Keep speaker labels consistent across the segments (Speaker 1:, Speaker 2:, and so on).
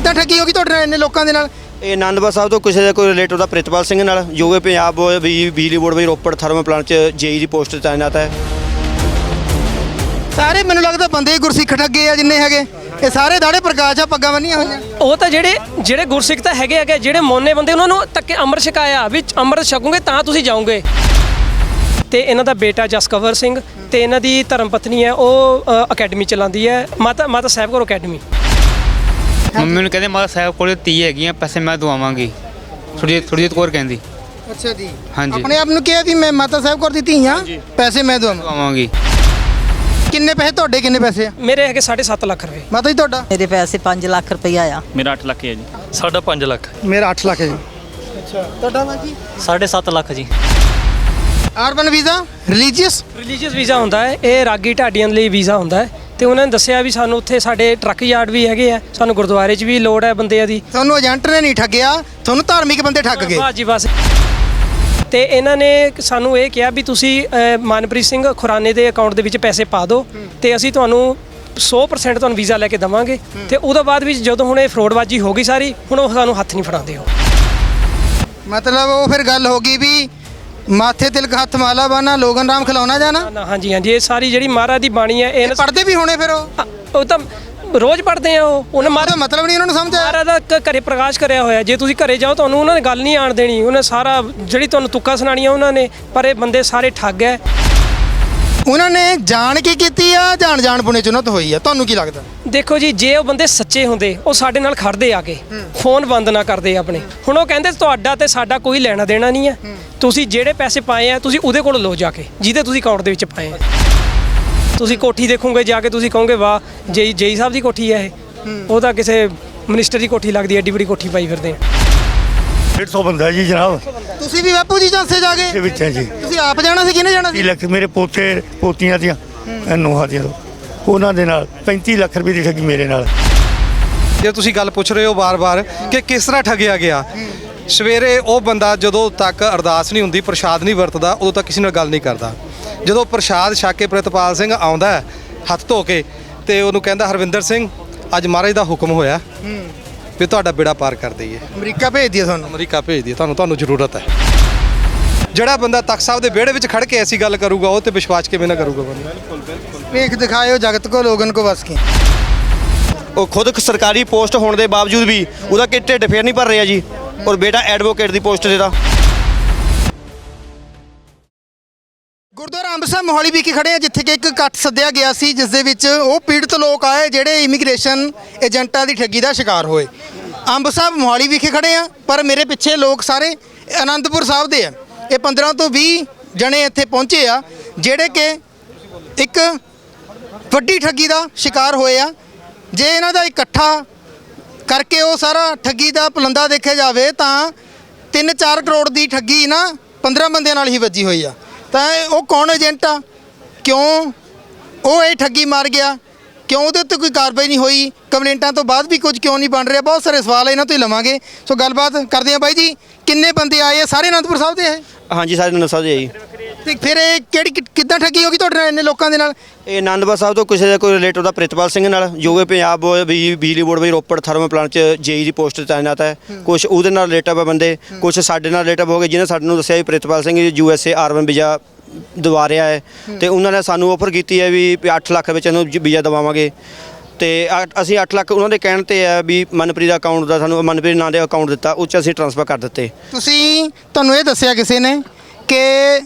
Speaker 1: ਕਿੱਦਾਂ ਠੱਗੀ ਹੋ ਗਈ ਤੁਹਾਡੇ ਨਾਲ ਇੰਨੇ ਲੋਕਾਂ ਦੇ ਨਾਲ?
Speaker 2: ਇਹ ਆਨੰਦਪੁਰ ਸਾਹਿਬ ਤੋਂ ਕਿਸੇ ਦਾ ਕੋਈ ਰਿਲੇਟਿਵ ਦਾ ਪ੍ਰਿਤਪਾਲ ਸਿੰਘ ਨਾਲ, ਜੋ ਕਿ ਪੰਜਾਬ ਬਿਜਲੀ ਬੋਰਡ ਵਿੱਚ ਰੋਪੜ ਥਰਮਲ ਪਲਾਂਟ 'ਚ ਜੇਈ ਦੀ ਪੋਸਟ 'ਤੇ ਤਾਇਨਾਤ ਹੈ।
Speaker 1: ਸਾਰੇ ਮੈਨੂੰ ਲੱਗਦਾ ਬੰਦੇ ਗੁਰਸਿੱਖ ਠੱਗੇ ਆ ਜਿੰਨੇ ਹੈਗੇ, ਇਹ ਸਾਰੇ ਦਾੜੇ ਪ੍ਰਕਾਸ਼ ਆ, ਪੱਗਾਂ ਬੰਨੀਆਂ ਹੋਈਆਂ।
Speaker 3: ਉਹ ਤਾਂ ਜਿਹੜੇ ਗੁਰਸਿੱਖ ਤਾਂ ਹੈਗੇ ਜਿਹੜੇ ਮੋਨੇ ਬੰਦੇ, ਉਹਨਾਂ ਨੂੰ ਤੱਕੇ ਅੰਮ੍ਰਿਤ ਛਕਾਇਆ ਵੀ ਅੰਮ੍ਰਿਤ ਛਕੋਗੇ ਤਾਂ ਤੁਸੀਂ ਜਾਓਗੇ। ਤੇ ਇਹਨਾਂ ਦਾ ਬੇਟਾ ਜਸਕਵਰ ਸਿੰਘ ਤੇ ਇਹਨਾਂ ਦੀ ਧਰਮ ਪਤਨੀ ਹੈ, ਉਹ ਅਕੈਡਮੀ ਚਲਾਉਂਦੀ ਹੈ, ਮਾਤਾ ਸਾਹਿਬ ਕੌਰ ਅਕੈਡਮੀ।
Speaker 4: ਮੰਮੀ ਨੂੰ ਕਹਿੰਦੇ ਮਾਤਾ ਸਾਹਿਬ ਕੋਲ 30 ਹੈਗੀਆਂ, ਪੈਸੇ ਮੈਂ ਦਵਾਵਾਂਗੀ, ਸੁਰਜੀਤ ਕੌਰ ਕਹਿੰਦੀ।
Speaker 1: ਅੱਛਾ ਜੀ,
Speaker 4: ਹਾਂਜੀ।
Speaker 1: ਆਪਣੇ ਆਪ ਨੂੰ ਕਿਹਾ ਵੀ ਮੈਂ ਮਾਤਾ ਸਾਹਿਬ ਕੋਲ ਦਿੱਤੀ ਹਾਂ, ਪੈਸੇ ਮੈਂ
Speaker 4: ਦਵਾਵਾਂਗੀ।
Speaker 1: ਕਿੰਨੇ ਪੈਸੇ ਤੁਹਾਡੇ, ਕਿੰਨੇ ਪੈਸੇ ਆ?
Speaker 3: ਮੇਰੇ ਹੈਗੇ 7.5 ਲੱਖ ਰੁਪਏ।
Speaker 1: ਮਾਤਾ ਜੀ ਤੁਹਾਡਾ?
Speaker 5: ਮੇਰੇ ਪੈਸੇ 5 ਲੱਖ ਰੁਪਈਆ ਆ।
Speaker 6: ਮੇਰਾ 8 ਲੱਖ ਹੈ ਜੀ। ਸਾਡਾ 5 ਲੱਖ।
Speaker 1: ਮੇਰਾ 8 ਲੱਖ ਹੈ ਜੀ। ਅੱਛਾ, ਤੁਹਾਡਾ ਬਾਜੀ?
Speaker 6: 7.5 ਲੱਖ ਜੀ।
Speaker 1: ਆਰਬਨ ਵੀਜ਼ਾ ਰਿਲੀਜੀਅਸ
Speaker 3: ਵੀਜ਼ਾ ਹੁੰਦਾ ਹੈ, ਇਹ ਰਾਗੀ ਢਾਡੀਆਂ ਲਈ ਵੀਜ਼ਾ ਹੁੰਦਾ ਹੈ। ਤੇ ਉਹਨਾਂ ਨੇ ਦੱਸਿਆ ਵੀ ਸਾਨੂੰ ਉੱਥੇ ਸਾਡੇ ਟਰੱਕ ਯਾਰਡ ਵੀ ਹੈਗੇ ਆ, ਸਾਨੂੰ ਗੁਰਦੁਆਰੇ 'ਚ ਵੀ ਲੋੜ ਹੈ ਬੰਦਿਆਂ ਦੀ।
Speaker 1: ਤੁਹਾਨੂੰ ਏਜੰਟ ਨੇ ਨਹੀਂ ਠੱਗਿਆ, ਤੁਹਾਨੂੰ ਧਾਰਮਿਕ ਬੰਦੇ ਠੱਗ ਗਏ।
Speaker 3: ਬਸ ਜੀ ਬਸ। ਤੇ ਇਹਨਾਂ ਨੇ ਸਾਨੂੰ ਇਹ ਕਿਹਾ ਵੀ ਤੁਸੀਂ ਮਨਪ੍ਰੀਤ ਸਿੰਘ ਖੁਰਾਨੇ ਦੇ ਅਕਾਊਂਟ ਦੇ ਵਿੱਚ ਪੈਸੇ ਪਾ ਦਿਓ ਤੇ ਅਸੀਂ ਤੁਹਾਨੂੰ 100% ਤੁਹਾਨੂੰ ਵੀਜ਼ਾ ਲੈ ਕੇ ਦੇਵਾਂਗੇ। ਤੇ ਉਹਦੇ ਬਾਅਦ ਵਿੱਚ ਜਦੋਂ ਹੁਣ ਇਹ ਫਰੋਡਬਾਜੀ ਹੋ ਗਈ ਸਾਰੀ, ਹੁਣ ਉਹ ਸਾਨੂੰ ਹੱਥ ਨਹੀਂ ਫੜਾਉਂਦੇ। ਹੋ
Speaker 1: ਮਤਲਬ ਉਹ ਫਿਰ ਗੱਲ ਹੋ ਗਈ ਵੀ ਮਾਥੇ ਤਿਲਕ ਹੱਥ ਮਾਲਾ ਬਾਨਾ ਲੋਗਨ ਰਾਮ ਖਿਲਾਉਣਾ ਜਾਣਾ।
Speaker 3: ਹਾਂਜੀ ਹਾਂਜੀ, ਇਹ ਸਾਰੀ ਜਿਹੜੀ ਮਹਾਰਾਜ ਦੀ ਬਾਣੀ ਹੈ, ਇਹ
Speaker 1: ਪੜ੍ਹਦੇ ਵੀ ਹੋਣੇ ਫਿਰ
Speaker 3: ਉਹ ਤਾਂ ਰੋਜ਼ ਪੜ੍ਹਦੇ ਆ। ਉਹਨੇ
Speaker 1: ਮਾਰਾ ਮਤਲਬ ਨਹੀਂ ਉਹਨਾਂ ਨੂੰ ਸਮਝ ਆਇਆ।
Speaker 3: ਮਹਾਰਾਜ ਦਾ ਘਰੇ ਪ੍ਰਕਾਸ਼ ਕਰਿਆ ਹੋਇਆ, ਜੇ ਤੁਸੀਂ ਘਰੇ ਜਾਓ ਤੁਹਾਨੂੰ ਉਹਨਾਂ ਨੇ ਗੱਲ ਨਹੀਂ ਆਣ ਦੇਣੀ। ਉਹਨੇ ਸਾਰਾ ਜਿਹੜੀ ਤੁਹਾਨੂੰ ਤੁੱਕਾ ਸੁਣਾਣੀਆਂ ਉਹਨਾਂ ਨੇ, ਪਰ ਇਹ ਬੰਦੇ ਸਾਰੇ ਠੱਗ ਹੈ।
Speaker 1: ਉਹਨਾਂ ਨੇ ਜਾਣ ਕੇ ਕੀਤੀ ਆ, ਜਾਣ ਪੁਣੇ ਚੁਨਤ ਹੋਈ ਆ? ਤੁਹਾਨੂੰ ਕੀ ਲੱਗਦਾ?
Speaker 3: ਦੇਖੋ ਜੀ, ਜੇ ਉਹ ਬੰਦੇ ਸੱਚੇ ਹੁੰਦੇ ਉਹ ਸਾਡੇ ਨਾਲ ਖੜਦੇ ਆ ਕੇ, ਫੋਨ ਬੰਦ ਨਾ ਕਰਦੇ ਆਪਣੇ। ਹੁਣ ਉਹ ਕਹਿੰਦੇ ਤੁਹਾਡਾ ਤੇ ਸਾਡਾ ਕੋਈ ਲੈਣਾ ਦੇਣਾ ਨਹੀਂ ਹੈ, ਤੁਸੀਂ ਜਿਹੜੇ ਪੈਸੇ ਪਾਏ ਆ ਤੁਸੀਂ ਉਹਦੇ ਕੋਲ ਲਓ ਜਾ ਕੇ, ਜਿਹਦੇ ਤੁਸੀਂ ਅਕਾਊਂਟ ਦੇ ਵਿੱਚ ਪਾਏ ਆ। ਤੁਸੀਂ ਕੋਠੀ ਦੇਖੋਗੇ ਜਾ ਕੇ, ਤੁਸੀਂ ਕਹੋਗੇ ਵਾਹ ਜੇਈ ਸਾਹਿਬ ਦੀ ਕੋਠੀ ਹੈ ਇਹ, ਉਹ ਤਾਂ ਕਿਸੇ ਮਿਨਿਸਟਰ ਦੀ ਕੋਠੀ ਲੱਗਦੀ ਹੈ, ਐਡੀ ਵੱਡੀ ਕੋਠੀ ਪਾਈ ਫਿਰਦੇ ਆ।
Speaker 7: 150 ਬੰਦਾ ਜੀ ਜਨਾਬ।
Speaker 1: ਤੁਸੀਂ ਵੀ ਬਾਪੂ ਜੀ ਚਾਂਸੇ ਜਾ ਕੇ?
Speaker 7: ਦੇ ਵਿੱਚ ਹੈ ਜੀ।
Speaker 1: ਤੁਸੀਂ ਆਪ ਜਾਣਾ ਸੀ, ਕਿਹਨੇ ਜਾਣਾ ਸੀ?
Speaker 7: 30 ਲੱਖ ਮੇਰੇ ਪੋਤੇ ਪੋਤੀਆਂ ਦੀਆਂ ਨੂੰਹਾਂ ਦੀਆਂ, ਉਹਨਾਂ ਦੇ ਨਾਲ 35 ਲੱਖ ਰੁਪਏ ਦੀ ਠੱਗੀ ਮੇਰੇ ਨਾਲ।
Speaker 8: ਜੇ ਤੁਸੀਂ ਗੱਲ ਪੁੱਛ ਰਹੇ ਹੋ ਵਾਰ-ਵਾਰ ਕਿ ਕਿਸ ਤਰ੍ਹਾਂ ਠੱਗਿਆ ਗਿਆ, ਸਵੇਰੇ ਉਹ ਬੰਦਾ ਜਦੋਂ ਤੱਕ ਅਰਦਾਸ ਨਹੀਂ ਹੁੰਦੀ, ਪ੍ਰਸ਼ਾਦ ਨਹੀਂ ਵਰਤਦਾ, ਉਦੋਂ ਤੱਕ ਕਿਸੇ ਨਾਲ ਗੱਲ ਨਹੀਂ ਕਰਦਾ। ਜਦੋਂ ਪ੍ਰਸ਼ਾਦ ਛਕ ਕੇ ਪ੍ਰਿਤਪਾਲ ਸਿੰਘ ਆਉਂਦਾ ਹੱਥ ਧੋ ਕੇ, ਤੇ ਉਹਨੂੰ ਕਹਿੰਦਾ ਹਰਵਿੰਦਰ ਸਿੰਘ ਅੱਜ ਮਹਾਰਾਜ ਦਾ ਹੁਕਮ ਹੋਇਆ ਵੀ ਤੁਹਾਡਾ ਬੇੜਾ ਪਾਰ ਕਰ ਦਈਏ,
Speaker 1: ਅਮਰੀਕਾ ਭੇਜ ਦਈਏ ਤੁਹਾਨੂੰ,
Speaker 8: ਅਮਰੀਕਾ ਭੇਜ ਦਈਏ, ਤੁਹਾਨੂੰ ਜ਼ਰੂਰਤ ਹੈ। ਜਿਹੜਾ ਬੰਦਾ ਤਖਤ ਸਾਹਿਬ ਦੇ ਵਿਹੜੇ ਵਿੱਚ ਖੜ ਕੇ ਐਸੀ ਗੱਲ ਕਰੂਗਾ, ਉਹ ਤੇ ਵਿਸ਼ਵਾਸ ਕਿਵੇਂ ਨਾ ਕਰੂਗਾ ਬੰਦਾ।
Speaker 1: ਵੇਖ ਦਿਖਾਇਓ ਜਗਤ ਕੋ ਲੋਗਨ ਕੋ ਵਸ ਕੀ।
Speaker 2: ਉਹ ਖੁਦ ਸਰਕਾਰੀ ਪੋਸਟ ਹੋਣ ਦੇ ਬਾਵਜੂਦ ਵੀ ਉਹਦਾ ਕਿ ਢਿੱਡ ਫੇਰ ਨਹੀਂ ਭਰ ਰਿਹਾ ਜੀ, ਔਰ ਬੇਟਾ ਐਡਵੋਕੇਟ ਦੀ ਪੋਸਟ ਤੇ ਦਾ।
Speaker 1: ਗੁਰਦੁਆਰਾ ਅੰਬ ਸਾਹਿਬ ਮੋਹਾਲੀ ਵਿਖੇ ਖੜੇ ਆ, ਜਿੱਥੇ ਕਿ ਇੱਕ ਇਕੱਠ ਸੱਦਿਆ ਗਿਆ ਸੀ, ਜਿਸ ਦੇ ਵਿੱਚ ਉਹ ਪੀੜਤ ਲੋਕ ਆਏ ਜਿਹੜੇ ਇਮੀਗ੍ਰੇਸ਼ਨ ਏਜੰਟਾਂ ਦੀ ਠੱਗੀ ਦਾ ਸ਼ਿਕਾਰ ਹੋਏ। ਅੰਬ ਸਾਹਿਬ ਮੋਹਾਲੀ ਵਿਖੇ ਖੜੇ ਆ, ਪਰ ਮੇਰੇ ਪਿੱਛੇ ਲੋਕ ਸਾਰੇ ਅਨੰਦਪੁਰ ਸਾਹਿਬ ਦੇ ਆ। ਇਹ 15 ਤੋਂ 20 ਜਣੇ ਇੱਥੇ ਪਹੁੰਚੇ ਆ, ਜਿਹੜੇ ਕਿ ਇੱਕ ਵੱਡੀ ਠੱਗੀ ਦਾ ਸ਼ਿਕਾਰ ਹੋਏ ਆ। ਜੇ ਇਹਨਾਂ ਦਾ ਇਕੱਠਾ ਕਰਕੇ ਉਹ ਸਾਰਾ ਠੱਗੀ ਦਾ ਪਲੰਦਾ ਦੇਖਿਆ ਜਾਵੇ ਤਾਂ 3-4 ਕਰੋੜ ਦੀ ਠੱਗੀ ਨਾ 15 ਬੰਦਿਆਂ ਨਾਲ ਹੀ ਵੱਜੀ ਹੋਈ ਆ। ਤਾਂ ਉਹ ਕੌਣ ਏਜੰਟ ਆ, ਕਿਉਂ ਉਹ ਇਹ ਠੱਗੀ ਮਾਰ ਗਿਆ, ਕਿਉਂ ਉਹਦੇ ਉੱਤੇ ਕੋਈ ਕਾਰਵਾਈ ਨਹੀਂ ਹੋਈ, ਕੰਪਲੇਂਟਾਂ ਤੋਂ ਬਾਅਦ ਵੀ ਕੁਝ ਕਿਉਂ ਨਹੀਂ ਬਣ ਰਿਹਾ? ਬਹੁਤ ਸਾਰੇ ਸਵਾਲ ਇਹਨਾਂ ਤੋਂ ਹੀ ਲਵਾਂਗੇ। ਸੋ ਗੱਲਬਾਤ ਕਰਦੇ ਆ। ਬਾਈ ਜੀ, ਕਿੰਨੇ ਬੰਦੇ ਆਏ ਆ? ਸਾਰੇ ਅਨੰਦਪੁਰ ਸਾਹਿਬ ਦੇ ਹੈ?
Speaker 2: ਹਾਂਜੀ, ਸਾਰੇ ਆਨੰਦਪੁਰ ਸਾਹਿਬ ਦੇ ਜੀ।
Speaker 1: ਤੇ ਫਿਰ ਇਹ ਕਿੱਦਾਂ ਠੱਗੀ ਹੋ ਗਈ ਤੁਹਾਡੇ ਨਾਲ ਇੰਨੇ ਲੋਕਾਂ ਦੇ ਨਾਲ?
Speaker 2: ਇਹ ਆਨੰਦਪੁਰ ਸਾਹਿਬ ਤੋਂ ਕਿਸੇ ਦਾ ਕੋਈ ਰਿਲੇਟਿਵ ਦਾ ਪ੍ਰਿਤਪਾਲ ਸਿੰਘ ਨਾਲ, ਜੋ ਕਿ ਪੰਜਾਬ ਬਿਜਲੀ ਬੋਰਡ ਵਿੱਚ ਰੋਪੜ ਥਰਮਲ ਪਲਾਂਟ 'ਚ ਜੇਈ ਦੀ ਪੋਸਟ 'ਤੇ ਤਾਇਨਾਤ ਹੈ। ਕੁਛ ਉਹਦੇ ਨਾਲ ਰਿਲੇਟਿਵ ਬੰਦੇ, ਕੁਛ ਸਾਡੇ ਨਾਲ ਰਿਲੇਟਿਵ ਹੋ ਗਏ, ਜਿਹਨੇ ਸਾਨੂੰ ਦੱਸਿਆ ਵੀ Pritpal Singh USA urban visa ਦਵਾ ਰਿਹਾ ਹੈ, ਤੇ ਉਹਨਾਂ ਨੇ ਸਾਨੂੰ ਆਫਰ ਕੀਤੀ ਹੈ ਵੀ 8 ਲੱਖ ਵਿੱਚ ਇਹਨੂੰ ਵੀਜ਼ਾ ਦਵਾਵਾਂਗੇ। ਤੇ ਅਸੀਂ 8 ਲੱਖ ਉਹਨਾਂ ਦੇ ਕਹਿਣ ਤੇ ਹੈ ਵੀ ਮਨਪ੍ਰੀਤ ਦਾ ਅਕਾਊਂਟ ਦਾ, ਸਾਨੂੰ ਮਨਪ੍ਰੀਤ ਨਾਂ ਦੇ ਅਕਾਊਂਟ ਦਿੱਤਾ, ਉਹ 'ਚ ਅਸੀਂ ਟ੍ਰਾਂਸਫਰ ਕਰ ਦਿੱਤੇ।
Speaker 1: ਤੁਹਾਨੂੰ ਇਹ ਦੱਸਿਆ ਕਿਸੇ ਨੇ ਕਿ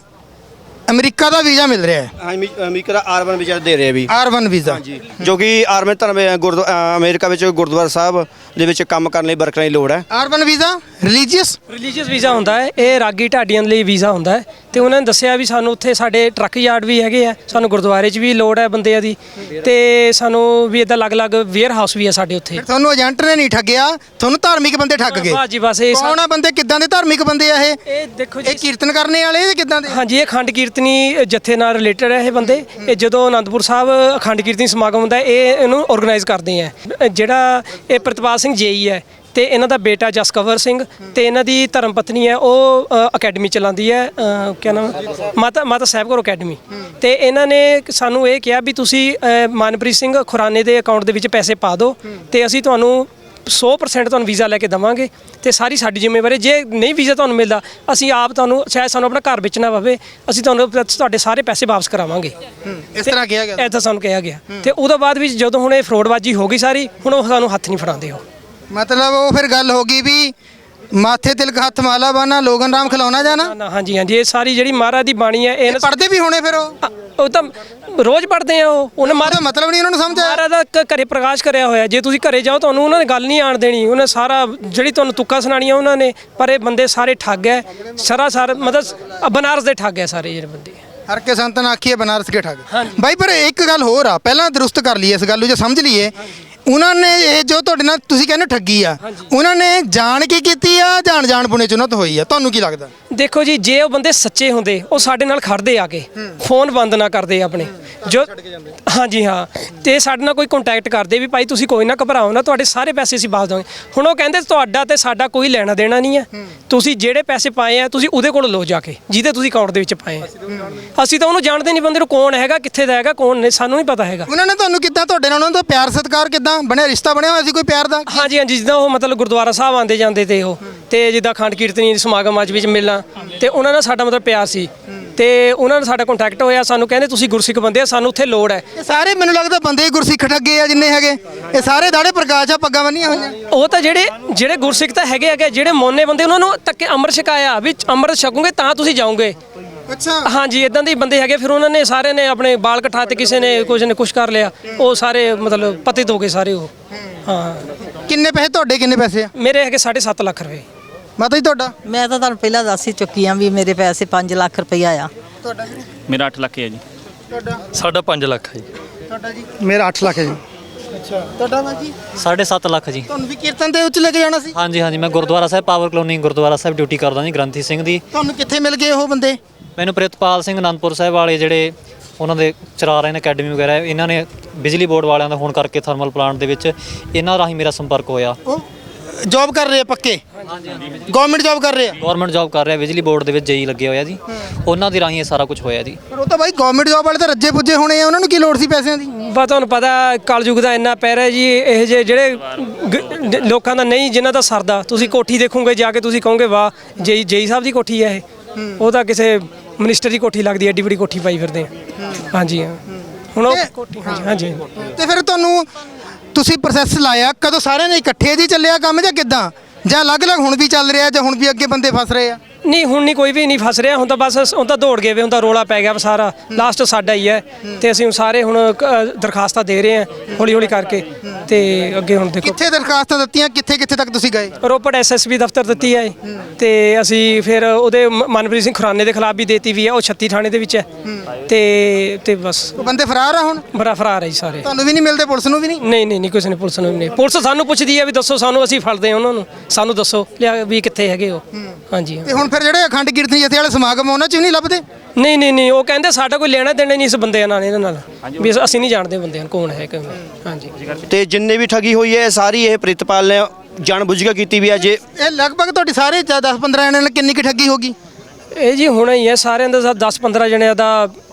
Speaker 1: ਅਮਰੀਕਾ ਦਾ ਵੀਜ਼ਾ ਮਿਲ ਰਿਹਾ ਹੈ?
Speaker 2: ਹਾਂ, ਅਮਰੀਕਾ ਦਾ ਆਰਬਨ ਵੀਜ਼ਾ ਦੇ ਰਹੇ ਵੀ।
Speaker 1: ਆਰਬਨ ਵੀਜ਼ਾ,
Speaker 2: ਜੋ ਕਿ ਆਰਬਨ ਧਰਮ ਅਮਰੀਕਾ ਵਿੱਚ ਗੁਰਦੁਆਰਾ ਸਾਹਿਬ ਦੇ ਵਿੱਚ ਕੰਮ ਕਰਨ ਲਈ ਵਰਕਰਾਂ ਦੀ ਲੋੜ ਹੈ।
Speaker 1: ਆਰਬਨ ਵੀਜ਼ਾ ਰਿਲੀਜੀਅਸ
Speaker 3: ਵੀਜ਼ਾ ਹੁੰਦਾ ਹੈ, ਇਹ ਰਾਗੀ ਢਾਡੀਆਂ ਲਈ ਵੀਜ਼ਾ ਹੁੰਦਾ ਹੈ। ਤੇ ਉਹਨਾਂ ਨੇ ਦੱਸਿਆ ਵੀ ਸਾਨੂੰ ਉੱਥੇ ਸਾਡੇ ਟਰੱਕ ਯਾਰਡ ਵੀ ਹੈਗੇ ਆ, ਸਾਨੂੰ ਗੁਰਦੁਆਰੇ 'ਚ ਵੀ ਲੋੜ ਹੈ ਬੰਦਿਆਂ ਦੀ, ਤੇ ਸਾਨੂੰ ਵੀ ਇੱਦਾਂ ਅਲੱਗ-ਅਲੱਗ ਵੇਅਰ ਹਾਊਸ ਵੀ ਹੈ ਸਾਡੇ ਉੱਥੇ।
Speaker 1: ਤੁਹਾਨੂੰ ਏਜੰਟ ਨੇ ਨਹੀਂ ਠੱਗਿਆ, ਤੁਹਾਨੂੰ ਧਾਰਮਿਕ ਬੰਦੇ ਠੱਗ ਗਏ।
Speaker 3: ਬਸ ਜੀ ਬਸ। ਇਹ
Speaker 1: ਕੌਣ ਆ ਬੰਦੇ, ਕਿੱਦਾਂ ਦੇ ਧਾਰਮਿਕ ਬੰਦੇ ਆ ਇਹ?
Speaker 3: ਇਹ ਦੇਖੋ ਜੀ,
Speaker 1: ਇਹ ਕੀਰਤਨ ਕਰਨੇ ਵਾਲੇ ਜਾਂ ਕਿੱਦਾਂ ਦੇ?
Speaker 3: ਹਾਂਜੀ, ਇਹ ਅਖੰਡ ਕੀਰਤਨੀ ਜਥੇ ਨਾਲ ਰਿਲੇਟਡ ਹੈ ਇਹ ਬੰਦੇ। ਇਹ ਜਦੋਂ ਅਨੰਦਪੁਰ ਸਾਹਿਬ ਅਖੰਡ ਕੀਰਤਨੀ ਸਮਾਗਮ ਹੁੰਦਾ ਇਹ ਇਹਨੂੰ ਆਰਗੇਨਾਈਜ਼ ਕਰਦੇ ਆ। ਜਿਹੜਾ ਇਹ ਪ੍ਰਿਤਪਾਲ ਸਿੰਘ ਜੇਈ ਹੈ, ਤੇ ਇਹਨਾਂ ਦਾ ਬੇਟਾ ਜਸਕਵਰ ਸਿੰਘ ਤੇ ਇਹਨਾਂ ਦੀ ਧਰਮ ਪਤਨੀ ਹੈ, ਉਹ ਅਕੈਡਮੀ ਚਲਾਉਂਦੀ ਹੈ, ਕਿਆ ਨਾਮ, ਮਾਤਾ ਸਾਹਿਬ ਕੌਰ ਅਕੈਡਮੀ। ਤੇ ਇਹਨਾਂ ਨੇ ਸਾਨੂੰ ਇਹ ਕਿਹਾ ਵੀ ਤੁਸੀਂ ਮਨਪ੍ਰੀਤ ਸਿੰਘ ਖੁਰਾਨੇ ਦੇ ਅਕਾਊਂਟ ਦੇ ਵਿੱਚ ਪੈਸੇ ਪਾ ਦਿਓ ਤੇ ਅਸੀਂ ਤੁਹਾਨੂੰ 100% ਤੁਹਾਨੂੰ ਵੀਜ਼ਾ ਲੈ ਕੇ ਦੇਵਾਂਗੇ ਤੇ ਸਾਰੀ ਸਾਡੀ ਜ਼ਿੰਮੇਵਾਰੀ। ਜੇ ਨਹੀਂ ਵੀਜ਼ਾ ਤੁਹਾਨੂੰ ਮਿਲਦਾ ਅਸੀਂ ਆਪ ਤੁਹਾਨੂੰ ਚਾਹੇ ਸਾਨੂੰ ਆਪਣਾ ਘਰ ਵੇਚਣਾ ਪਵੇ ਅਸੀਂ ਤੁਹਾਨੂੰ ਤੁਹਾਡੇ ਸਾਰੇ ਪੈਸੇ ਵਾਪਸ ਕਰਾਵਾਂਗੇ।
Speaker 1: ਇਸ ਤਰ੍ਹਾਂ ਕਿਹਾ ਗਿਆ
Speaker 3: ਐਦਾਂ ਸਾਨੂੰ ਕਿਹਾ ਗਿਆ ਤੇ ਉਹਦੇ ਬਾਅਦ ਵੀ ਜਦੋਂ ਹੁਣ ਇਹ ਫਰੋਡਬਾਜ਼ੀ ਹੋ ਗਈ ਸਾਰੀ, ਹੁਣ ਉਹ ਸਾਨੂੰ ਹੱਥ ਨਹੀਂ ਫੜਾਉਂਦੇ ਉਹ।
Speaker 1: ਮਤਲਬ ਉਹ ਫਿਰ ਗੱਲ ਹੋ ਗਈ ਵੀ ਮਾਥੇ ਤਿਲਕ ਹੱਥ ਮਾਲਾ ਬਾਨਾ ਲੋਗਨ ਰਾਮ ਖਿਲਾਉਣਾ ਜਾਣਾ।
Speaker 3: ਨਾ ਹਾਂਜੀ ਹਾਂਜੀ, ਇਹ ਸਾਰੀ ਜਿਹੜੀ ਮਹਾਰਾਜ ਦੀ ਬਾਣੀ ਹੈ ਇਹ
Speaker 1: ਪੜਦੇ ਵੀ ਹੋਣੇ ਫਿਰ ਉਹ
Speaker 3: ਤਾਂ ਰੋਜ਼ ਪੜ੍ਹਦੇ ਆ ਉਹਨੇ
Speaker 1: ਉਹਦਾ ਮਤਲਬ ਨਹੀਂ ਉਹਨਾਂ ਨੂੰ ਸਮਝ ਆਇਆ।
Speaker 3: ਮਹਾਰਾਜ ਦਾ ਘਰੇ ਪ੍ਰਕਾਸ਼ ਕਰਿਆ ਹੋਇਆ। ਜੇ ਤੁਸੀਂ ਘਰੇ ਜਾਓ ਤੁਹਾਨੂੰ ਉਹਨਾਂ ਨੇ ਗੱਲ ਨਹੀਂ ਆਣ ਦੇਣੀ। ਉਹਨੇ ਸਾਰਾ ਜਿਹੜੀ ਤੁਹਾਨੂੰ ਤੁੱਕਾ ਸੁਣਾਣੀਆਂ ਉਹਨਾਂ ਨੇ, ਪਰ ਇਹ ਬੰਦੇ ਸਾਰੇ ਠੱਗ ਹੈ ਸਰਾਸਰ, ਮਤਲਬ ਬਨਾਰਸ ਦੇ ਠੱਗ ਹੈ ਸਾਰੇ ਜਿਹੜੇ ਬੰਦੇ।
Speaker 1: ਹਰ ਕੇ ਸੰਤਨ ਆਖੀਏ ਬਨਾਰਸ ਕੇ ਠੱਗ। ਬਾਈ ਪਰ ਇੱਕ ਗੱਲ ਹੋਰ ਆ, ਪਹਿਲਾਂ ਦਰੁਸਤ ਕਰ ਲਈਏ ਇਸ ਗੱਲ ਨੂੰ, ਜੇ ਸਮਝ ਲਈਏ ਉਹਨਾਂ ਨੇ ਇਹ ਜੋ ਤੁਹਾਡੇ ਨਾਲ ਤੁਸੀਂ ਕਹਿੰਦੇ ਠੱਗੀ ਆ, ਉਹਨਾਂ ਨੇ ਜਾਣ ਕੇ ਕੀਤੀ ਆ ਜਾਂ ਜਾਣ ਪੁਣੇ ਚ ਉਹਨਾਂ ਤੋਂ ਹੋਈ ਆ, ਤੁਹਾਨੂੰ ਕੀ ਲੱਗਦਾ?
Speaker 3: ਦੇਖੋ ਜੀ, ਜੇ ਉਹ ਬੰਦੇ ਸੱਚੇ ਹੁੰਦੇ ਉਹ ਸਾਡੇ ਨਾਲ ਖੜਦੇ ਆ ਕੇ, ਫੋਨ ਬੰਦ ਨਾ ਕਰਦੇ ਆਪਣੇ ਜੋ। ਹਾਂਜੀ ਹਾਂ, ਤੇ ਸਾਡੇ ਨਾਲ ਕੋਈ ਕੰਟੈਕਟ ਕਰਦੇ ਵੀ ਭਾਈ ਤੁਸੀਂ ਕੋਈ ਨਾ ਘਬਰਾਓ ਨਾ, ਤੁਹਾਡੇ ਸਾਰੇ ਪੈਸੇ ਅਸੀਂ ਵਾਪਸ ਦੇਵਾਂਗੇ। ਹੁਣ ਉਹ ਕਹਿੰਦੇ ਤੁਹਾਡਾ ਤੇ ਸਾਡਾ ਕੋਈ ਲੈਣਾ ਦੇਣਾ ਨਹੀਂ ਹੈ, ਤੁਸੀਂ ਜਿਹੜੇ ਪੈਸੇ ਪਾਏ ਆ ਤੁਸੀਂ ਉਹਦੇ ਕੋਲ ਲਓ ਜਾ ਕੇ ਜਿਹਦੇ ਤੁਸੀਂ ਅਕਾਊਂਟ ਦੇ ਵਿੱਚ ਪਾਏ ਆ। ਅਸੀਂ ਤਾਂ ਉਹਨੂੰ ਜਾਣਦੇ ਨਹੀਂ ਬੰਦੇ ਨੂੰ, ਕੌਣ ਹੈਗਾ ਕਿੱਥੇ ਦਾ ਹੈਗਾ ਕੌਣ ਨਹੀਂ, ਸਾਨੂੰ ਨਹੀਂ ਪਤਾ ਹੈਗਾ।
Speaker 1: ਉਹਨਾਂ ਨੇ ਤੁਹਾਨੂੰ ਕਿੱਦਾਂ, ਤੁਹਾਡੇ ਨਾਲ ਉਹਨਾਂ ਦਾ ਪਿਆਰ ਸਤਿਕਾਰ ਕਿੱਦਾਂ ਬਣਿਆ, ਰਿਸ਼ਤਾ ਬਣਿਆ ਹੋਇਆ ਸੀ ਕੋਈ ਪਿਆਰ ਦਾ?
Speaker 3: ਹਾਂਜੀ ਹਾਂਜੀ, ਜਿੱਦਾਂ ਉਹ ਮਤਲਬ ਗੁਰਦੁਆਰਾ ਸਾਹਿਬ ਆਉਂਦੇ ਜਾਂਦੇ ਤੇ ਉਹ, ਤੇ ਜਿੱਦਾਂ ਖੰਡ ਕੀਰਤਨੀ ਸਮਾਗਮ ਅੱਜ ਵਿੱਚ ਮਿਲਣਾ, ਤੇ ਉਹਨਾਂ ਨਾਲ ਸਾਡਾ ਮਤਲਬ ਪਿਆਰ ਸੀ ਤੇ ਉਹਨਾਂ ਨਾਲ ਸਾਡਾ ਕੰਟੈਕਟ ਹੋਇਆ। ਸਾਨੂੰ ਕਹਿੰਦੇ ਤੁਸੀਂ ਗੁਰਸਿੱਖ ਬੰਦੇ ਆ, ਸਾਨੂੰ ਉੱਥੇ ਲੋੜ ਹੈ।
Speaker 1: ਇਹ ਸਾਰੇ ਮੈਨੂੰ ਲੱਗਦਾ ਬੰਦੇ ਹੀ ਗੁਰਸਿੱਖ ਠੱਗੇ ਆ ਜਿੰਨੇ ਹੈਗੇ, ਇਹ ਸਾਰੇ ਦਾੜੇ ਪ੍ਰਕਾਸ਼ ਆ, ਪੱਗਾਂ ਬੰਨੀਆਂ ਹੋਈਆਂ।
Speaker 3: ਉਹ ਤਾਂ ਜਿਹੜੇ ਗੁਰਸਿੱਖ ਤਾਂ ਹੈਗੇ, ਜਿਹੜੇ ਮੋਨੇ ਬੰਦੇ ਉਹਨਾਂ ਨੂੰ ਤੱਕੇ ਅੰਮ੍ਰਿਤ ਛਕਾਇਆ ਵੀ ਅੰਮ੍ਰਿਤ ਛਕੋਗੇ ਤਾਂ ਤੁਸੀਂ ਜਾਓਗੇ।
Speaker 1: ਅੱਛਾ
Speaker 3: ਹਾਂਜੀ, ਇਦਾਂ ਦੇ ਬੰਦੇ ਹੈਗੇ। ਫਿਰ ਉਹਨਾਂ ਨੇ ਸਾਰੇ ਨੇ ਆਪਣੇ ਬਾਲ ਕਟਾ ਤੇ ਕਿਸੇ ਨੇ ਕੁਝ ਨੇ ਕੁਛ ਕਰ ਲਿਆ, ਉਹ ਸਾਰੇ ਮਤਲਬ ਪਤਿਤ ਹੋ ਗਏ ਸਾਰੇ ਉਹ। ਹਾਂ,
Speaker 1: ਕਿੰਨੇ ਪੈਸੇ ਤੁਹਾਡੇ, ਕਿੰਨੇ ਪੈਸੇ ਆ?
Speaker 3: ਮੇਰੇ ਹੈਗੇ 7.5 ਲੱਖ ਰੁਪਏ।
Speaker 1: ਮਾਤਾ ਜੀ ਤੁਹਾਡਾ?
Speaker 5: ਮੈਂ ਤਾਂ ਤੁਹਾਨੂੰ ਪਹਿਲਾਂ ਦੱਸ ਹੀ ਚੁੱਕੀ ਆ ਵੀ ਮੇਰੇ ਪੈਸੇ 5 ਲੱਖ ਰੁਪਈਆ ਆ।
Speaker 1: ਤੁਹਾਡਾ ਜੀ?
Speaker 6: ਮੇਰਾ 8 ਲੱਖ ਹੈ ਜੀ।
Speaker 1: ਤੁਹਾਡਾ?
Speaker 6: ਸਾਡਾ 5 ਲੱਖ ਹੈ ਜੀ।
Speaker 1: ਤੁਹਾਡਾ ਜੀ?
Speaker 7: ਮੇਰਾ 8 ਲੱਖ ਹੈ ਜੀ।
Speaker 1: ਅੱਛਾ, ਤੁਹਾਡਾ ਬਾਜੀ?
Speaker 6: 7.5 ਲੱਖ ਜੀ।
Speaker 1: ਤੁਹਾਨੂੰ ਵੀ ਕੀਰਤਨ ਦੇ ਉੱਚ ਲੈ ਕੇ ਜਾਣਾ ਸੀ?
Speaker 6: ਹਾਂਜੀ ਹਾਂਜੀ, ਮੈਂ Gurdwara Sahib power colony Gurdwara Sahib duty ਕਰਦਾ ਜੀ, ਗ੍ਰੰਥੀ ਸਿੰਘ ਦੀ।
Speaker 1: ਤੁਹਾਨੂੰ ਕਿੱਥੇ ਮਿਲ ਗਏ ਉਹ ਬੰਦੇ?
Speaker 6: ਮੈਨੂੰ ਪ੍ਰਿਤਪਾਲ ਸਿੰਘ ਅਨੰਦਪੁਰ ਸਾਹਿਬ ਵਾਲੇ ਜਿਹੜੇ ਉਹਨਾਂ ਦੇ ਚਲਾ ਰਹੇ ਨੇ ਅਕੈਡਮੀ ਵਗੈਰਾ, ਇਹਨਾਂ ਨੇ ਬਿਜਲੀ ਬੋਰਡ ਵਾਲਿਆਂ ਦਾ ਫੋਨ ਕਰਕੇ ਥਰਮਲ ਪਲਾਂਟ ਦੇ ਵਿੱਚ ਇਹਨਾਂ ਰਾਹੀਂ ਮੇਰਾ ਸੰਪਰਕ ਹੋਇਆ।
Speaker 1: ਉਹ ਜੌਬ ਕਰ ਰਹੇ ਆ ਪੱਕੇ? ਗਵਰਨਮੈਂਟ ਜੌਬ ਕਰ ਰਹੇ ਆ?
Speaker 6: ਗਵਰਨਮੈਂਟ ਜੌਬ ਕਰ ਰਿਹਾ, ਬਿਜਲੀ ਬੋਰਡ ਦੇ ਵਿੱਚ ਜਈ ਲੱਗੇ ਹੋਇਆ ਜੀ। ਉਹਨਾਂ ਦੀ ਰਾਹੀਂ ਇਹ ਸਾਰਾ ਕੁਝ ਹੋਇਆ ਜੀ।
Speaker 1: ਪਰ ਉਹ ਤਾਂ ਬਾਈ ਗਵਰਨਮੈਂਟ ਜੌਬ ਵਾਲੇ ਤਾਂ ਰੱਜੇ ਪੁੱਜੇ ਹੋਣੇ ਆ, ਉਹਨਾਂ ਨੂੰ ਕੀ ਲੋੜ ਸੀ ਪੈਸਿਆਂ ਦੀ?
Speaker 3: ਬਸ ਤੁਹਾਨੂੰ ਪਤਾ ਕਲਯੁਗ ਦਾ ਇੰਨਾ ਪੈਰ ਹੈ ਜੀ, ਇਹ ਜਿਹੜੇ ਲੋਕਾਂ ਦਾ ਨਹੀਂ, ਜਿਨ੍ਹਾਂ ਦਾ ਸਰਦਾ, ਤੁਸੀਂ ਕੋਠੀ ਦੇਖੋਗੇ ਜਾ ਕੇ ਤੁਸੀਂ ਕਹੋਗੇ ਵਾਹ ਜਈ ਸਾਹਿਬ ਦੀ ਕੋਠੀ ਹੈ ਇਹ। ਉਹ ਤਾਂ ਕਿਸੇ ਮਿਨਿਸਟਰ ਦੀ ਕੋਠੀ ਲੱਗਦੀ ਹੈ, ਏਡੀ ਵੱਡੀ ਕੋਠੀ ਪਾਈ ਫਿਰਦੇ ਆ। ਹਾਂਜੀ ਹਾਂ, ਹੁਣ ਉਹ ਕੋਠੀ ਹਾਂਜੀ।
Speaker 1: ਤੇ ਫਿਰ ਤੁਹਾਨੂੰ ਤੁਸੀਂ ਪ੍ਰੋਸੈਸ ਲਾਇਆ ਕਦੋਂ, ਸਾਰਿਆਂ ਨੇ ਇਕੱਠੇ ਜੀ ਚੱਲਿਆ ਕੰਮ ਜਾਂ ਕਿੱਦਾਂ, ਜਾਂ ਅਲੱਗ-ਅਲੱਗ ਹੁਣ ਵੀ ਚੱਲ ਰਿਹਾ, ਜਾਂ ਹੁਣ ਵੀ ਅੱਗੇ ਬੰਦੇ ਫਸ ਰਹੇ ਆ?
Speaker 3: ਨਹੀਂ, ਹੁਣ ਨਹੀਂ ਕੋਈ ਵੀ ਨਹੀਂ ਫਸ ਰਿਹਾ, ਹੁਣ ਤਾਂ ਬਸ ਹੁਣ ਤਾਂ ਦੌੜ ਗਏ ਵੇ, ਹੁਣ ਤਾਂ ਰੋਲਾ ਪੈ ਗਿਆ ਸਾਰਾ, ਲਾਸਟ ਸਾਡਾ ਹੀ ਹੈ। ਤੇ ਅਸੀਂ ਹੁਣ ਸਾਰੇ ਹੁਣ ਦਰਖਾਸਤਾਂ ਦੇ ਰਹੇ ਹਾਂ ਹੌਲੀ ਹੌਲੀ ਕਰਕੇ, ਤੇ ਅੱਗੇ ਹੁਣ ਦੇਖੋ।
Speaker 1: ਕਿੱਥੇ ਦਰਖਾਸਤਾਂ ਦਿੱਤੀਆਂ, ਕਿੱਥੇ ਤੱਕ ਤੁਸੀਂ ਗਏ?
Speaker 3: ਰੋਪੜ ਐਸਐਸਪੀ ਦਫ਼ਤਰ ਦਿੱਤੀ ਹੈ ਤੇ ਅਸੀਂ ਫਿਰ ਉਹਦੇ ਮਨਪ੍ਰੀਤ ਸਿੰਘ ਖੁਰਾਨੇ ਦੇ ਖਿਲਾਫ ਵੀ ਦੇਤੀ ਵੀ ਹੈ, ਉਹ 36 ਥਾਣੇ ਦੇ ਵਿੱਚ ਹੈ। ਤੇ ਬਸ
Speaker 1: ਉਹ ਬੰਦੇ ਫਰਾਰ ਆ ਹੁਣ?
Speaker 3: ਬੜਾ ਫਰਾਰ ਹੈ ਜੀ ਸਾਰੇ।
Speaker 1: ਤੁਹਾਨੂੰ ਵੀ ਨਹੀਂ ਮਿਲਦੇ, ਪੁਲਿਸ ਨੂੰ ਵੀ ਨਹੀਂ?
Speaker 3: ਨਹੀਂ ਕਿਸੇ ਨੇ, ਪੁਲਿਸ ਨੂੰ ਵੀ ਨਹੀਂ। ਪੁਲਿਸ ਸਾਨੂੰ ਪੁੱਛਦੀ ਹੈ ਵੀ ਦੱਸੋ ਸਾਨੂੰ, ਅਸੀਂ ਫੜਦੇ ਹਾਂ ਉਹਨਾਂ ਨੂੰ, ਸਾਨੂੰ ਦੱਸੋ ਲਿਆ ਵੀ ਕਿੱਥੇ ਹੈਗੇ ਉਹ। ਹਾਂਜੀ।
Speaker 1: ਤੇ ਹੁਣ ਫਿਰ ਜਿਹੜੇ ਅਖੰਡ ਕੀਰਤਨੀ ਜਥੇ ਵਾਲੇ ਸਮਾਗਮ ਉਹਨਾਂ 'ਚ ਵੀ ਨਹੀਂ ਲੱਭਦੇ?
Speaker 3: ਨਹੀਂ, ਉਹ ਕਹਿੰਦੇ ਸਾਡਾ ਕੋਈ ਲੈਣਾ ਦੇਣਾ ਨਹੀਂ ਇਸ ਬੰਦਿਆਂ ਨਾਲ, ਇਹਨਾਂ ਨਾਲ ਵੀ ਅਸੀਂ ਨਹੀਂ ਜਾਣਦੇ ਬੰਦਿਆਂ ਨੂੰ ਕੌਣ ਹੈ ਕਿਵੇਂ। ਹਾਂਜੀ।
Speaker 2: ਤੇ ਜਿੰਨੇ ਵੀ ਠੱਗੀ ਹੋਈ ਹੈ ਸਾਰੀ ਇਹ ਪ੍ਰਿਤਪਾਲ ਨੇ ਜਾਣ ਬੁੱਝ ਕੇ ਕੀਤੀ ਵੀ ਹੈ। ਜੇ
Speaker 1: ਇਹ ਲਗਭਗ ਤੁਹਾਡੀ ਸਾਰੇ 10-15 ਜਣਿਆਂ ਨਾਲ ਕਿੰਨੀ ਕੁ ਠੱਗੀ ਹੋ ਗਈ?
Speaker 3: ਇਹ ਜੀ ਹੁਣ ਹੀ ਹੈ ਸਾਰਿਆਂ ਦਾ 10-15 ਜਣਿਆਂ ਦਾ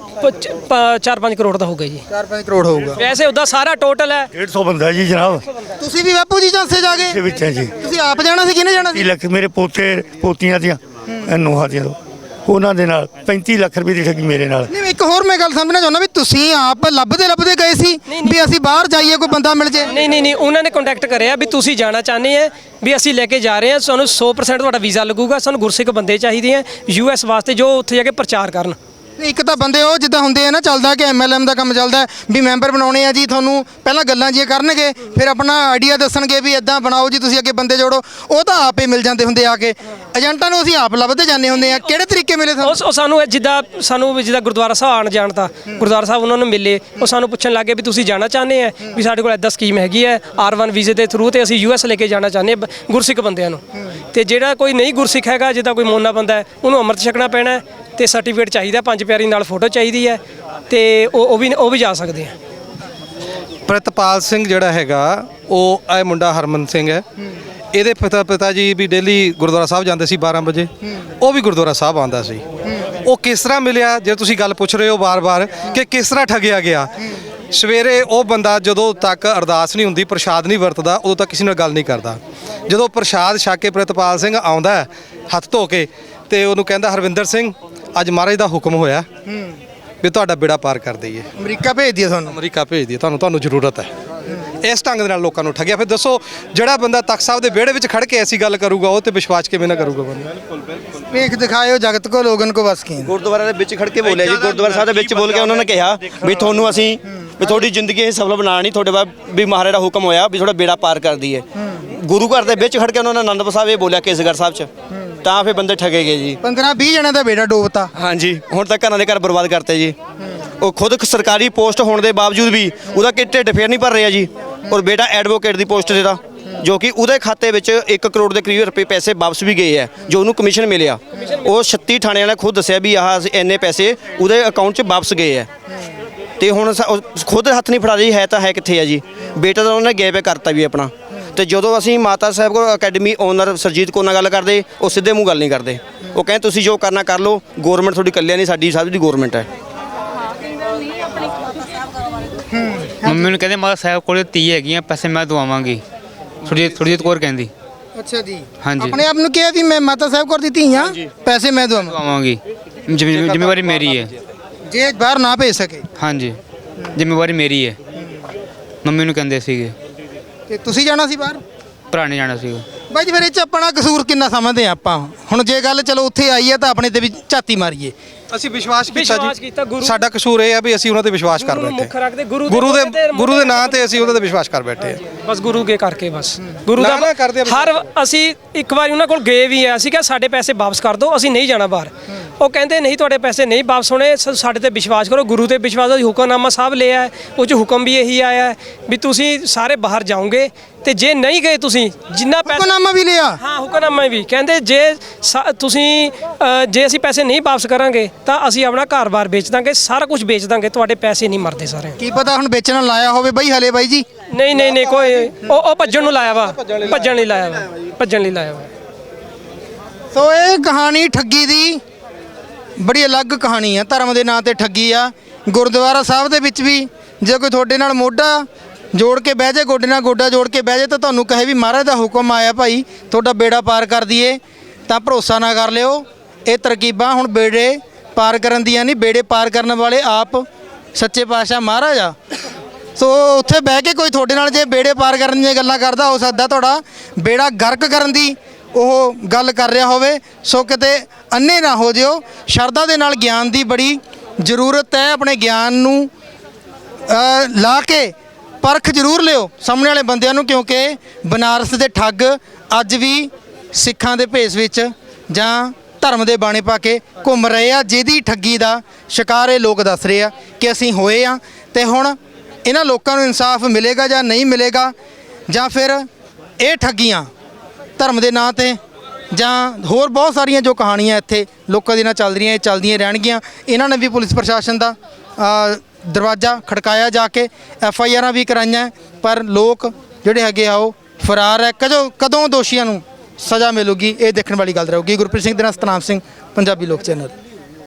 Speaker 3: 4-5 ਕਰੋੜ ਦਾ ਹੋ ਗਿਆ ਜੀ।
Speaker 1: 4-5 ਕਰੋੜ ਹੋਊਗਾ
Speaker 3: ਵੈਸੇ ਉਹਦਾ ਸਾਰਾ ਟੋਟਲ ਹੈ
Speaker 7: 150 ਬੰਦਾ ਜੀ ਜਨਾਬ।
Speaker 1: ਤੁਸੀਂ ਵੀ ਬਾਪੂ ਜੀ ਚਾਂਸੇ ਜਾ
Speaker 7: ਦੇ
Speaker 1: ਕੇ?
Speaker 7: ਵਿੱਚ ਹੈ ਜੀ।
Speaker 1: ਤੁਸੀਂ ਆਪ ਜਾਣਾ ਸੀ, ਕਿਹਨੇ ਜਾਣਾ
Speaker 7: 30
Speaker 1: ਸੀ?
Speaker 7: ਲੱਖ ਮੇਰੇ ਪੋਤੇ ਪੋਤੀਆਂ ਦੀਆਂ ਨੂੰਹਾਂ ਦੀਆਂ, ਉਹਨਾਂ ਦੇ ਨਾਲ 35 ਲੱਖ ਰੁਪਏ ਦੀ ਠੱਗੀ ਮੇਰੇ ਨਾਲ।
Speaker 1: ਨਹੀਂ, ਇੱਕ ਹੋਰ ਮੈਂ ਗੱਲ ਸਮਝਣਾ ਚਾਹੁੰਦਾ ਵੀ ਤੁਸੀਂ ਆਪ ਲੱਭਦੇ ਗਏ ਸੀ ਵੀ ਅਸੀਂ ਬਾਹਰ ਜਾਈਏ, ਕੋਈ ਬੰਦਾ ਮਿਲ ਜੇ?
Speaker 3: ਨਹੀਂ, ਉਹਨਾਂ ਨੇ ਕੰਟੈਕਟ ਕਰਿਆ ਵੀ ਤੁਸੀਂ ਜਾਣਾ ਚਾਹੁੰਦੇ ਆ ਵੀ ਅਸੀਂ ਲੈ ਕੇ ਜਾ ਰਹੇ ਹਾਂ, ਸਾਨੂੰ 100% ਤੁਹਾਡਾ ਵੀਜ਼ਾ ਲੱਗੂਗਾ, ਸਾਨੂੰ ਗੁਰਸਿੱਖ ਬੰਦੇ ਚਾਹੀਦੇ ਆ ਯੂਐਸ ਵਾਸਤੇ ਜੋ ਉੱਥੇ ਜਾ ਕੇ ਪ੍ਰਚਾਰ ਕਰਨ।
Speaker 1: ਇੱਕ ਤਾਂ ਬੰਦੇ ਉਹ ਜਿੱਦਾਂ ਹੁੰਦੇ ਆ ਨਾ, ਚੱਲਦਾ ਕਿ ਐਮਐਲਐਮ ਦਾ ਕੰਮ ਚੱਲਦਾ ਵੀ ਮੈਂਬਰ ਬਣਾਉਣੇ ਆ ਜੀ, ਤੁਹਾਨੂੰ ਪਹਿਲਾਂ ਗੱਲਾਂ ਜੀ ਕਰਨਗੇ, ਫਿਰ ਆਪਣਾ ਆਈਡੀਆ ਦੱਸਣਗੇ ਵੀ ਇਦਾਂ ਬਣਾਓ ਜੀ, ਤੁਸੀਂ ਅੱਗੇ ਬੰਦੇ ਜੋੜੋ। ਉਹ ਤਾਂ ਆਪੇ ਮਿਲ ਜਾਂਦੇ ਹੁੰਦੇ ਆ ਕੇ, ਏਜੰਟਾਂ ਨੂੰ ਅਸੀਂ ਆਪ ਲੱਭਦੇ ਜਾਂਦੇ ਹੁੰਦੇ ਆ। ਕਿਹੜੇ ਤਰੀਕੇ ਮਿਲੇ ਤੁਹਾਨੂੰ?
Speaker 3: ਉਹ ਸਾਨੂੰ ਜਿੱਦਾਂ ਗੁਰਦੁਆਰਾ ਸਾਹਿਬ ਆਣ ਜਾਣ ਤਾਂ ਗੁਰਦੁਆਰਾ ਸਾਹਿਬ ਉਹਨਾਂ ਨੂੰ ਮਿਲੇ, ਉਹ ਸਾਨੂੰ ਪੁੱਛਣ ਲੱਗੇ ਵੀ ਤੁਸੀਂ ਜਾਣਾ ਚਾਹੁੰਦੇ ਆ ਵੀ ਸਾਡੇ ਕੋਲ ਇਦਾਂ ਸਕੀਮ ਹੈਗੀ ਹੈ R1 ਵੀਜ਼ੇ ਦੇ ਥਰੂ, ਤੇ ਅਸੀਂ ਯੂਐਸ ਲੈ ਕੇ ਜਾਣਾ ਚਾਹੁੰਦੇ ਆ ਗੁਰਸਿੱਖ ਬੰਦਿਆਂ ਨੂੰ। ਤੇ ਜਿਹੜਾ ਕੋਈ ਨਹੀਂ ਗੁਰਸਿੱਖ ਹੈਗਾ, ਜਿੱਦਾਂ ਕੋਈ ਮੋਨਾ ਬੰਦਾ ਹੈ, ਉਹਨੂੰ ਅੰਮ੍ਰਿਤ ਛਕਣਾ ਪੈਣਾ ਤੇ ਸਰਟੀਫਿਕੇਟ ਚਾਹੀਦਾ, 5 ਪਿਆਰੀ ਨਾਲ ਫੋਟੋ ਚਾਹੀਦੀ ਹੈ, ਤੇ ਉਹ ਵੀ ਜਾ ਸਕਦੇ ਆ।
Speaker 8: ਪ੍ਰਿਤਪਾਲ ਸਿੰਘ ਜਿਹੜਾ ਹੈਗਾ ਉਹ ਇਹ ਮੁੰਡਾ ਹਰਮਨ ਸਿੰਘ ਹੈ, ਇਹਦੇ ਪਿਤਾ ਜੀ ਵੀ ਡੇਲੀ ਗੁਰਦੁਆਰਾ ਸਾਹਿਬ ਜਾਂਦੇ ਸੀ 12 ਵਜੇ, ਉਹ ਵੀ ਗੁਰਦੁਆਰਾ ਸਾਹਿਬ ਆਉਂਦਾ ਸੀ। ਉਹ ਕਿਸ ਤਰ੍ਹਾਂ ਮਿਲਿਆ, ਜੇ ਤੁਸੀਂ ਗੱਲ ਪੁੱਛ ਰਹੇ ਹੋ ਵਾਰ-ਵਾਰ ਕਿ ਕਿਸ ਤਰ੍ਹਾਂ ਠੱਗਿਆ ਗਿਆ, ਸਵੇਰੇ ਉਹ ਬੰਦਾ ਜਦੋਂ ਤੱਕ ਅਰਦਾਸ ਨਹੀਂ ਹੁੰਦੀ, ਪ੍ਰਸ਼ਾਦ ਨਹੀਂ ਵਰਤਦਾ, ਉਦੋਂ ਤੱਕ ਕਿਸੇ ਨਾਲ ਗੱਲ ਨਹੀਂ ਕਰਦਾ। ਜਦੋਂ ਪ੍ਰਸ਼ਾਦ ਛਕ ਕੇ ਪ੍ਰਿਤਪਾਲ ਸਿੰਘ ਆਉਂਦਾ ਹੈ ਹੱਥ ਧੋ ਕੇ, ਤੇ ਉਹਨੂੰ ਕਹਿੰਦਾ ਹਰਵਿੰਦਰ ਸਿੰਘ ਅੱਜ ਮਹਾਰਾਜ ਦਾ ਹੁਕਮ ਹੋਇਆ ਵੀ ਤੁਹਾਡਾ ਬੇੜਾ ਪਾਰ ਕਰ ਦਈਏ,
Speaker 1: ਅਮਰੀਕਾ ਭੇਜ ਦਿਆ ਤੁਹਾਨੂੰ।
Speaker 8: ਅਮਰੀਕਾ ਭੇਜ ਦਈਏ, ਤੁਹਾਨੂੰ ਜ਼ਰੂਰਤ ਹੈ। ਇਸ ਢੰਗ ਦੇ ਨਾਲ ਲੋਕਾਂ ਨੂੰ ਠੱਗਿਆ। ਫਿਰ ਦੱਸੋ ਜਿਹੜਾ ਬੰਦਾ ਤਖਤ ਸਾਹਿਬ ਦੇ ਵਿਹੜੇ ਵਿੱਚ ਖੜ ਕੇ ਐਸੀ ਗੱਲ ਕਰੂਗਾ, ਉਹ ਤੇ ਵਿਸ਼ਵਾਸ ਕਿਵੇਂ ਨਾ ਕਰੂਗਾ ਬੰਦਾ।
Speaker 1: ਵੇਖ ਦਿਖਾਇਓ ਜਗਤ ਕੋ ਲੋਗਨ ਕੋ ਬਸ ਕੀ।
Speaker 2: ਗੁਰਦੁਆਰਾ ਦੇ ਵਿੱਚ ਖੜ ਕੇ ਬੋਲਿਆ ਜੀ, ਗੁਰਦੁਆਰਾ ਸਾਹਿਬ ਦੇ ਵਿੱਚ ਬੋਲ ਕੇ ਉਹਨਾਂ ਨੇ ਕਿਹਾ ਵੀ ਤੁਹਾਨੂੰ ਅਸੀਂ ਵੀ ਤੁਹਾਡੀ ਜ਼ਿੰਦਗੀ ਇਹ ਸਫਲ ਬਣਾਣੀ, ਤੁਹਾਡੇ ਬਾਅਦ ਵੀ ਮਹਾਰਾਜ ਦਾ ਹੁਕਮ ਹੋਇਆ ਵੀ ਤੁਹਾਡਾ ਬੇੜਾ ਪਾਰ ਕਰ ਦਈਏ। ਗੁਰੂ ਘਰ ਦੇ ਵਿੱਚ ਖੜ ਕੇ ਉਹਨਾਂ ਨੇ ਆਨੰਦਪੁਰ ਸਾਹਿਬ ਇਹ ਬੋਲਿਆ ਕੇਸਗੜ੍ਹ ਸਾਹਿਬ 'ਚ, ਤਾਂ ਫਿਰ ਬੰਦੇ ਠੱਗੇ ਗਏ ਜੀ।
Speaker 1: 15-20 ਜਣਿਆਂ ਦਾ ਬੇੜਾ ਡੋਬਤਾ।
Speaker 2: ਹਾਂਜੀ, ਹੁਣ ਤੱਕ ਘਰਾਂ ਦੇ ਘਰ ਬਰਬਾਦ ਕਰਤੇ ਜੀ। ਉਹ ਖੁਦ ਸਰਕਾਰੀ ਪੋਸਟ ਹੋਣ ਦੇ ਬਾਵਜੂਦ ਵੀ ਉਹਦਾ ਕਿ ਢਿੱਡ ਫੇਰ ਨਹੀਂ ਭਰ ਰਿਹਾ ਜੀ। ਔਰ ਬੇਟਾ ਐਡਵੋਕੇਟ ਦੀ ਪੋਸਟ ਤੇ ਦਾ, ਜੋ ਕਿ ਉਹਦੇ ਖਾਤੇ ਵਿੱਚ 1 ਕਰੋੜ ਦੇ ਕਰੀਬ ਰੁਪਏ ਪੈਸੇ ਵਾਪਸ ਵੀ ਗਏ ਹੈ, ਜੋ ਉਹਨੂੰ ਕਮਿਸ਼ਨ ਮਿਲਿਆ। ਉਹ 36 ਥਾਣਿਆਂ ਨੇ ਖੁਦ ਦੱਸਿਆ ਵੀ ਆਹ ਇੰਨੇ ਪੈਸੇ ਉਹਦੇ ਅਕਾਊਂਟ 'ਚ ਵਾਪਸ ਗਏ ਹੈ। ਤੇ ਹੁਣ ਉਹ ਖੁਦ ਹੱਥ ਨਹੀਂ ਫੜਾ ਰਹੀ ਹੈ, ਤਾਂ ਹੈ ਕਿੱਥੇ ਹੈ ਜੀ। ਬੇਟਾ ਤਾਂ ਉਹਨੇ ਗੈਪ ਕਰਤਾ ਵੀ ਆਪਣਾ। ਤੇ ਜਦੋਂ ਅਸੀਂ ਮਾਤਾ ਸਾਹਿਬ ਕੋਲ ਅਕੈਡਮੀ ਓਨਰ ਸਰਜੀਤ ਕੌਰ ਨਾਲ ਗੱਲ ਕਰਦੇ, ਉਹ ਸਿੱਧੇ ਮੂੰਹ ਗੱਲ ਨਹੀਂ ਕਰਦੇ। ਉਹ ਕਹਿੰਦੇ ਤੁਸੀਂ ਜੋ ਕਰਨਾ ਕਰ ਲਓ, ਗਵਰਨਮੈਂਟ ਤੁਹਾਡੀ ਇਕੱਲਿਆਂ ਨਹੀਂ, ਸਾਡੀ ਸਭ ਦੀ ਗਵਰਨਮੈਂਟ ਹੈ।
Speaker 4: ਮੰਮੀ ਨੂੰ ਕਹਿੰਦੇ ਮਾਤਾ ਸਾਹਿਬ ਕੋਲ 30 ਹੈਗੀਆਂ, ਪੈਸੇ ਮੈਂ ਦਵਾਵਾਂਗੀ। ਸੁਰਜੀਤ ਕੌਰ ਕਹਿੰਦੀ।
Speaker 1: ਅੱਛਾ ਜੀ।
Speaker 4: ਹਾਂਜੀ।
Speaker 1: ਆਪਣੇ ਆਪ ਨੂੰ ਕਿਹਾ ਵੀ ਮੈਂ ਮਾਤਾ ਸਾਹਿਬ ਕੋਲ ਦੀ ਧੀ ਹਾਂ, ਪੈਸੇ ਮੈਂ ਦਵਾਂ।
Speaker 4: ਦਵਾਵਾਂਗੀ, ਜ਼ਿੰਮੇਵਾਰੀ ਮੇਰੀ ਹੈ।
Speaker 1: ਜੇ ਬਾਹਰ ਨਾ ਭੇਜ ਸਕੇ।
Speaker 4: ਹਾਂਜੀ, ਜ਼ਿੰਮੇਵਾਰੀ ਮੇਰੀ ਹੈ। ਮੰਮੀ ਨੂੰ ਕਹਿੰਦੇ ਸੀਗੇ।
Speaker 1: ਤੇ ਤੁਸੀਂ ਜਾਣਾ ਸੀ ਬਾਹਰ?
Speaker 4: ਭਰਾ ਨੇ ਜਾਣਾ ਸੀਗਾ।
Speaker 1: ਬਾਈ ਜੀ ਫਿਰ ਇਹ 'ਚ ਆਪਣਾ ਕਸੂਰ ਕਿੰਨਾ ਸਮਝਦੇ ਆ ਆਪਾਂ? ਹੁਣ ਜੇ ਗੱਲ ਚਲੋ ਉੱਥੇ ਆਈ ਹੈ ਤਾਂ ਆਪਣੇ ਤੇ ਵੀ ਝਾਤੀ ਮਾਰੀਏ।
Speaker 8: ਅਸੀਂ ਵਿਸ਼ਵਾਸ
Speaker 3: ਵਿਸ਼ਵਾਸ
Speaker 8: ਕੀਤਾ
Speaker 3: ਕੀਤਾ
Speaker 8: ਜੀ।
Speaker 3: ਗੁਰੂ-
Speaker 8: ਸਾਡਾ ਕਸੂਰ ਇਹ ਹੈ ਵੀ ਅਸੀਂ ਉਹਨਾਂ ਤੇ ਵਿਸ਼ਵਾਸ ਕਰ
Speaker 3: ਗੁਰੂ ਨੂੰ ਮੁੱਖ
Speaker 8: ਬੈਠੇ।
Speaker 3: ਰੱਖਦੇ, ਗੁਰੂ
Speaker 8: ਗੁਰੂ ਦੇ ਨਾਂ ਤੇ ਅਸੀਂ ਉਹਦੇ ਤੇ ਵਿਸ਼ਵਾਸ ਕਰ ਬੈਠੇ ਹਾਂ।
Speaker 3: ਬਸ ਗੁਰੂ ਕੇ ਕਰਕੇ ਬਸ ਗੁਰੂ
Speaker 8: ਨਾ ਨਾ ਕਰਦੇ
Speaker 3: ਦਾ
Speaker 8: ਆ
Speaker 3: ਹਰ ਅਸੀਂ ਇੱਕ ਵਾਰੀ ਉਹਨਾਂ ਕੋਲ ਗਏ ਵੀ ਆ, ਅਸੀਂ ਕਿਹਾ ਸਾਡੇ ਪੈਸੇ ਵਾਪਸ ਕਰ ਦਿਓ, ਅਸੀਂ ਨਹੀਂ ਜਾਣਾ ਬਾਹਰ। ਉਹ ਕਹਿੰਦੇ ਨਹੀਂ ਤੁਹਾਡੇ ਪੈਸੇ ਨਹੀਂ ਵਾਪਸ ਹੋਣੇ, ਸਾਡੇ ਤੇ ਵਿਸ਼ਵਾਸ ਕਰੋ। ਗੁਰੂ ਤੇ ਵਿਸ਼ਵਾਸ ਦਾ ਹੁਕਮਨਾਮਾ ਸਾਹਿਬ ਲਿਆ ਹੈ, ਉਹ 'ਚ ਹੁਕਮ ਵੀ ਇਹੀ ਆਇਆ ਹੈ ਵੀ ਤੁਸੀਂ ਸਾਰੇ ਬਾਹਰ ਜਾਓਗੇ, ਤੇ ਜੇ ਨਹੀਂ ਗਏ ਤੁਸੀਂ ਜਿੰਨਾ ਪੈਸਾ
Speaker 1: ਹੁਕਮਨਾਮਾ ਵੀ ਲਿਆ।
Speaker 3: ਹਾਂ, ਹੁਕਮਨਾਮਾ ਵੀ ਕਹਿੰਦੇ ਜੇ ਤੁਸੀਂ ਜੇ ਅਸੀਂ ਪੈਸੇ ਨਹੀਂ ਵਾਪਸ ਕਰਾਂਗੇ ਤਾਂ ਅਸੀਂ ਆਪਣਾ ਘਰ-ਬਾਰ ਵੇਚ ਦਾਂਗੇ, ਸਾਰਾ ਕੁਝ ਵੇਚ ਦਾਂਗੇ, ਤੁਹਾਡੇ ਪੈਸੇ ਨਹੀਂ ਮਰਦੇ ਸਾਰੇ।
Speaker 1: ਕੀ ਪਤਾ ਹੁਣ ਵੇਚਣ ਲਾਇਆ ਹੋਵੇ ਬਾਈ ਹਲੇ ਬਾਈ ਜੀ।
Speaker 3: ਨਹੀਂ ਕੋਈ ਉਹ ਭੱਜਣ ਨੂੰ ਲਾਇਆ ਵਾ, ਭੱਜਣ ਲਈ ਲਾਇਆ ਵਾ।
Speaker 1: ਸੋ ਇਹ ਕਹਾਣੀ ਠੱਗੀ ਦੀ ਬੜੀ ਅਲੱਗ ਕਹਾਣੀ ਆ। ਧਰਮ ਦੇ ਨਾਂ ਤੇ ਠੱਗੀ ਆ। ਗੁਰਦੁਆਰਾ ਸਾਹਿਬ ਦੇ ਵਿੱਚ ਵੀ ਜੇ ਕੋਈ ਤੁਹਾਡੇ ਨਾਲ ਮੋਢਾ ਜੋੜ ਕੇ ਬਹਿ ਜਾਏ, ਗੋਡੇ ਨਾਲ ਗੋਡਾ ਜੋੜ ਕੇ ਬਹਿ ਜਾਏ, ਤਾਂ ਤੁਹਾਨੂੰ ਕਹੇ ਵੀ ਮਹਾਰਾਜ ਦਾ ਹੁਕਮ ਆਇਆ ਭਾਈ ਤੁਹਾਡਾ ਬੇੜਾ ਪਾਰ ਕਰ ਦਈਏ, ਤਾਂ ਭਰੋਸਾ ਨਾ ਕਰ ਲਿਓ। ਇਹ ਤਰਕੀਬਾਂ ਹੁਣ ਬੇੜੇ ਪਾਰ ਕਰਨ ਦੀਆਂ ਨਹੀਂ, ਬੇੜੇ ਪਾਰ ਕਰਨ ਵਾਲੇ ਆਪ ਸੱਚੇ ਪਾਤਸ਼ਾਹ ਮਹਾਰਾਜ ਆ। ਸੋ ਉੱਥੇ ਬਹਿ ਕੇ ਕੋਈ ਤੁਹਾਡੇ ਨਾਲ ਜੇ ਬੇੜੇ ਪਾਰ ਕਰਨ ਦੀਆਂ ਗੱਲਾਂ ਕਰਦਾ, ਹੋ ਸਕਦਾ ਤੁਹਾਡਾ ਬੇੜਾ ਗਰਕ ਕਰਨ ਦੀ ਉਹ ਗੱਲ ਕਰ ਰਿਹਾ ਹੋਵੇ। ਸੋ ਕਿਤੇ ਅੰਨੇ ਨਾ ਹੋ ਜਿਓ। ਸ਼ਰਧਾ ਦੇ ਨਾਲ ਗਿਆਨ ਦੀ ਬੜੀ ਜ਼ਰੂਰਤ ਹੈ। ਆਪਣੇ ਗਿਆਨ ਨੂੰ ਲਾ ਕੇ ਪਰਖ ਜ਼ਰੂਰ ਲਿਓ ਸਾਹਮਣੇ ਵਾਲੇ ਬੰਦਿਆਂ ਨੂੰ, ਕਿਉਂਕਿ ਬਨਾਰਸ ਦੇ ਠੱਗ ਅੱਜ ਵੀ ਸਿੱਖਾਂ ਦੇ ਭੇਸ ਵਿੱਚ ਜਾਂ ਧਰਮ ਦੇ ਬਾਣੇ ਪਾ ਕੇ ਘੁੰਮ ਰਹੇ ਆ, ਜਿਹਦੀ ਠੱਗੀ ਦਾ ਸ਼ਿਕਾਰ ਇਹ ਲੋਕ ਦੱਸ ਰਹੇ ਆ ਕਿ ਅਸੀਂ ਹੋਏ ਆ। ਤੇ ਹੁਣ ਇਹਨਾਂ ਲੋਕਾਂ ਨੂੰ ਇਨਸਾਫ ਮਿਲੇਗਾ ਜਾਂ ਨਹੀਂ ਮਿਲੇਗਾ, ਜਾਂ ਫਿਰ ਇਹ ਠੱਗੀਆਂ ਧਰਮ ਦੇ ਨਾਂ ਤੇ ਜਾਂ ਹੋਰ ਬਹੁਤ ਸਾਰੀਆਂ ਜੋ ਕਹਾਣੀਆਂ ਇੱਥੇ ਲੋਕਾਂ ਦੇ ਨਾਲ ਚੱਲ ਰਹੀਆਂ, ਇਹ ਚੱਲਦੀਆਂ ਰਹਿਣਗੀਆਂ। ਇਹਨਾਂ ਨੇ ਵੀ ਪੁਲਿਸ ਪ੍ਰਸ਼ਾਸਨ ਦਾ ਦਰਵਾਜ਼ਾ ਖੜਕਾਇਆ, ਜਾ ਕੇ FIRਾਂ ਵੀ ਕਰਾਈਆਂ, ਪਰ ਲੋਕ ਜਿਹੜੇ ਹੈਗੇ ਆ ਉਹ ਫਰਾਰ ਹੈ। ਕਦੋਂ ਦੋਸ਼ੀਆਂ ਨੂੰ ਸਜ਼ਾ ਮਿਲੂਗੀ, ਇਹ ਦੇਖਣ ਵਾਲੀ ਗੱਲ ਰਹੂਗੀ। ਗੁਰਪ੍ਰੀਤ ਸਿੰਘ ਦੇ ਨਾਲ ਸਤਨਾਮ ਸਿੰਘ, ਪੰਜਾਬੀ ਲੋਕ ਚੈਨਲ।